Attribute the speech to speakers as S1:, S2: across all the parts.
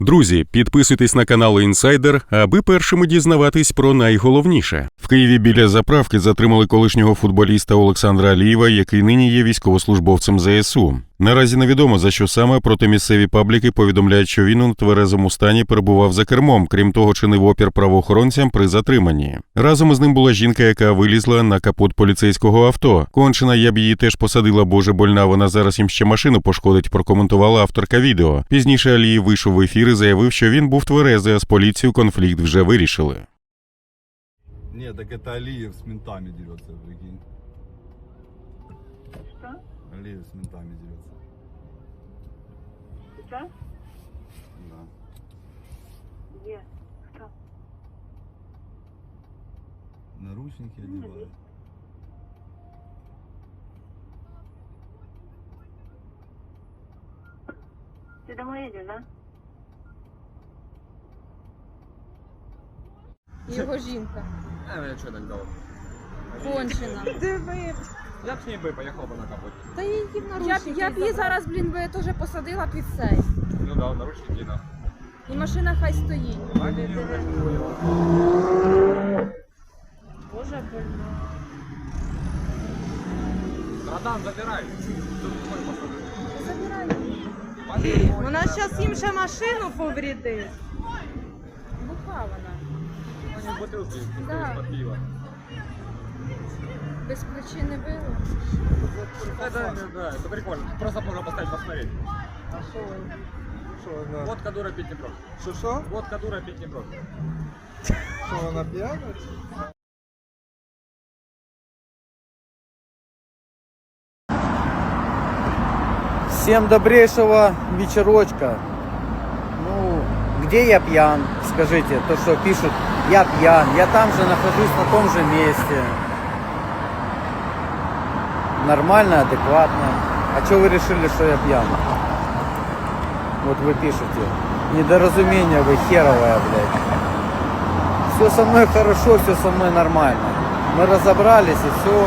S1: Друзі, підписуйтесь на канал Інсайдер, аби першими дізнаватись про найголовніше. В Києві біля заправки затримали колишнього футболіста Олександра Алієва, який нині є військовослужбовцем ЗСУ. Наразі невідомо, за що саме, проте місцеві пабліки повідомляють, що він у нетверезому стані перебував за кермом, крім того, чинив опір правоохоронцям при затриманні. Разом із ним була жінка, яка вилізла на капот поліцейського авто. Кончена, я б її теж посадила, боже больна, вона зараз їм ще машину пошкодить, прокоментувала авторка відео. Пізніше Алієв вийшов в ефір і заявив, що він був тверезий, а з поліцією конфлікт вже вирішили.
S2: Нет, так это Алиев с ментами дерется, прикинь.
S3: Что?
S2: Алиев с ментами дерется.
S3: Сейчас?
S2: Да.
S3: Где? Кто?
S2: Наручники одевают.
S3: Ты домой едешь, да?
S4: Його жінка.
S5: Я что так дал?
S4: Кончена.
S5: Я б с ней бы поехал бы на капоте.
S4: Та її в наручники. Я б її зараз, би теж посадила під цей.
S5: Ну да, наручники, да.
S4: І машина хай стоїть. Боже, больно.
S5: Братан, забирай.
S4: Забирай.
S6: Вона зараз їм ще машину повредить.
S4: Буха вона.
S5: Они бутылки
S4: Да.
S5: из-под пива.
S4: Без причини била.
S5: Да, это прикольно. Просто можно поставить посмотреть.
S2: А что
S5: Водка дура пить не прочь.
S2: Что?
S5: Водка дура пить не прочь.
S2: Что, она пьяная?
S7: Всем добрейшего вечерочка. Ну, где я пьян? Скажите, то, что пишут, я пьян. Я там же нахожусь, на том же месте. Нормально, адекватно. А что вы решили, что я пьян? Вот вы пишете. Недоразумение вы херовая, блядь. Все со мной хорошо, все со мной нормально. Мы разобрались и все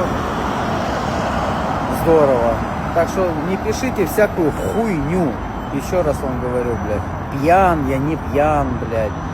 S7: здорово. Так что не пишите всякую хуйню. Еще раз вам говорю, блядь. Пьян, я не пьян, блядь.